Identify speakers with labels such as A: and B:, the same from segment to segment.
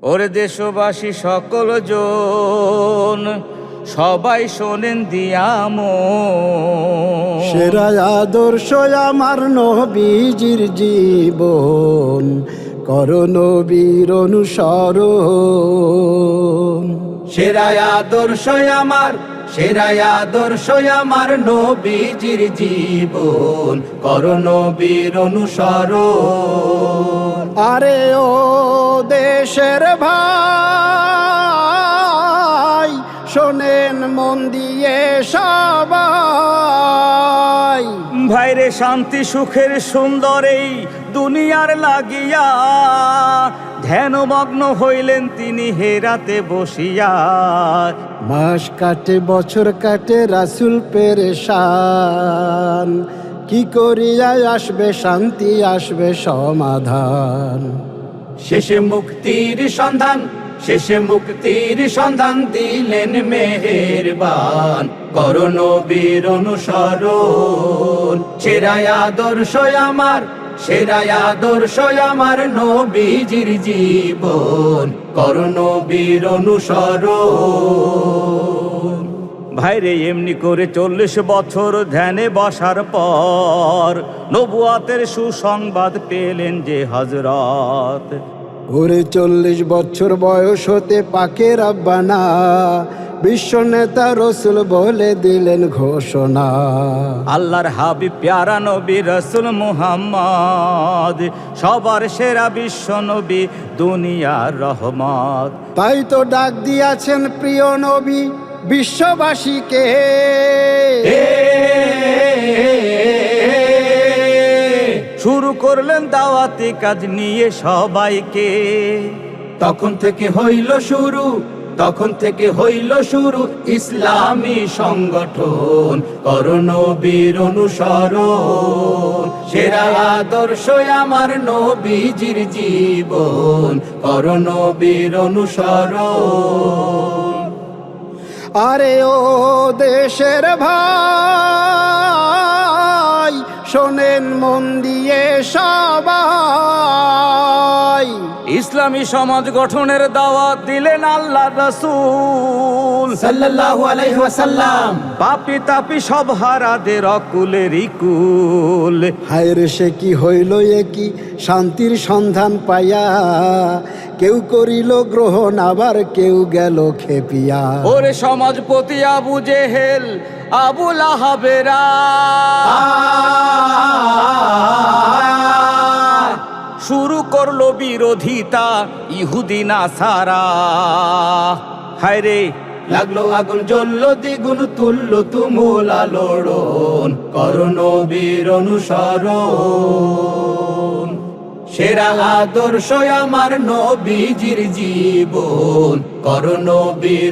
A: ওরে দেশবাসী সকল জন, সবাই শোনেন দিয়ামো,
B: সেরা আদর্শ আমার নবীজির জীবন, করো নবীর অনুসরণ।
C: সেরা আদর্শ আমার, সেরা আদর্শ আমার নবীজির জীবন, করো নবীর অনুসরণ।
B: আরে ও দেশের ভাই, শোনেন মন দিয়ে সবাই।
A: ভাইরে শান্তি সুখের সুন্দর এই দুনিয়ার লাগিয়া, ধ্যানমগ্ন হইলেন তিনি হেরাতে বসিয়া।
B: মাস কাটে বছর কাটে রাসূল পেরেশান, কি করিয়া আসবে শান্তি আসবে সমাধান।
C: শেষে মুক্তির সন্ধান, শেষে মুক্তির সন্ধান দিলেন মেহেরবান, করো নবীর অনুসরণ। সেরা আদর্শ আমার, সেরা আদর্শ আমার নবীজির জীবন, করো নবীর অনুসরণ।
A: ভাইরে এমনি করে 40 বছর ধ্যানে বসার পর নবুয়াতের সুসংবাদ পেলেন যে হযরত।
B: ওরে 40 বছর বয়স হতে পাকে রাব্বানা, বিশ্ব নেতা রসুল বলে দিলেন ঘোষণা।
A: আল্লাহর হাবিব প্যারা নবী রসুল মুহাম্মদ, সবার সেরা বিশ্ব নবী দুনিয়ার রহমত।
B: তাই তো ডাক দিয়াছেন প্রিয় নবী বিশ্ববাসীকে,
A: শুরু করলেন দাওয়াতি কাজ নিয়ে সবাইকে।
C: তখন থেকে হইল শুরু, তখন থেকে হইল শুরু ইসলামী সংগঠন, করো নবীর অনুসরণ। সেরা আদর্শ আমার নবীজির জীবন, করো নবীর অনুসরণ।
B: আরে ও দেশের ভাই, শোনেন মন দিয়ে সবাই।
A: ইসলামী সমাজ গঠনের দাওয়াত দিলেন আল্লাহ রাসূল
C: সাল্লাল্লাহু আলাইহি ওয়াসাল্লাম।
A: পাপি তাপি সব হারাদের অকুলের ইকুল।
B: হায় রে সে কি হইল এ কি শান্তির সন্ধান পাইয়া, কেউ করিল গ্রহণ আবার কেউ গেল খেপিয়া।
A: ওরে সমাজপতি আবু জেহেল আবু লাহাবেরা, শুরু করলো বিরোধিতা ইহুদি নাসারা। হায় রে
C: লাগলো আগুন জ্বললো দ্বিগুণ, তুললো তুমুল আলোড়ন, করো নবীর অনুসরণ। সেরা আদর্শ আমার নবীজির জীবন, করো নবীর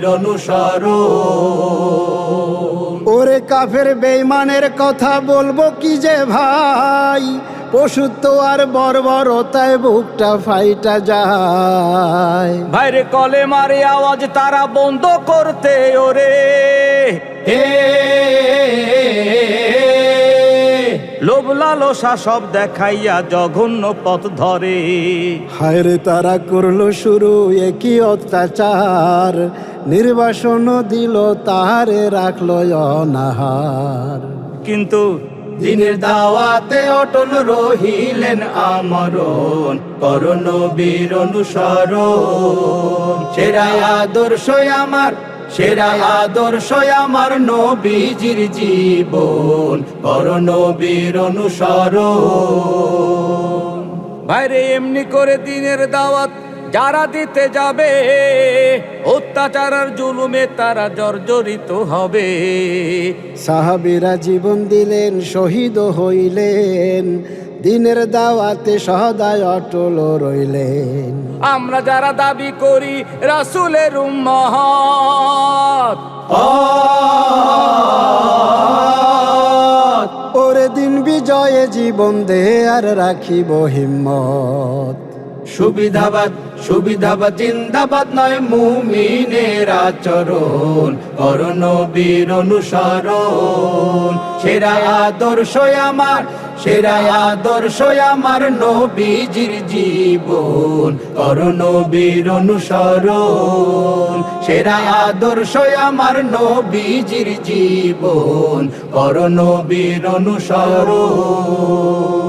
C: অনুসরণ।
B: ওরে কাফের বেঈমানের কথা বলবো কি যে ভাই, পশুত্ব আর বর্বরতায় বুকটা ফাইটা যায়।
A: ভাইরে কলেমারে আওয়াজ তারা বন্ধ করতে ওরে,
C: হে
A: লোভ লালসা সব দেখাইয়া জঘন্য পথ ধরে।
B: হায় রে তারা করলো শুরু একই অত্যাচার, নির্বাসন দিল তাহারে রাখলো অনাহার।
A: কিন্তু
C: দিনের দাওয়াতে অটল রহিলেন আমরণ, করো নবীর অনুসরণ। সেরা আদর্শ আমার, সেরা আদর্শ আমার নবীজির জীবন, করো নবীর অনুসরণ।
A: ভাইরে এমনি করে দিনের দাওয়াত যারা দিতে যাবে, অত্যাচার আর জুলুমে তারা জর্জরিত হবে।
B: সাহাবীরা জীবন দিলেন শহীদ হইলেন, দিনের দাওয়াতে সদায় অটল রইলেন।
A: আমরা যারা দাবি করি রাসূলের উম্মত,
B: ওরে দিন বিজয়ে জীবন দে আর রাখিব হিম্মত।
C: সুবিধাবাদ, সুবিধাবাদ জিন্দাবাদ নয় মুমিনের আচরণ, করো নবীর অনুসরণ। সেরা আদর্শ আমার, সেরা আদর্শ আমার নবীজির জীবন, করো নবীর অনুসরণ। সেরা আদর্শ আমার নবীজির জীবন, করো নবীর অনুসরণ।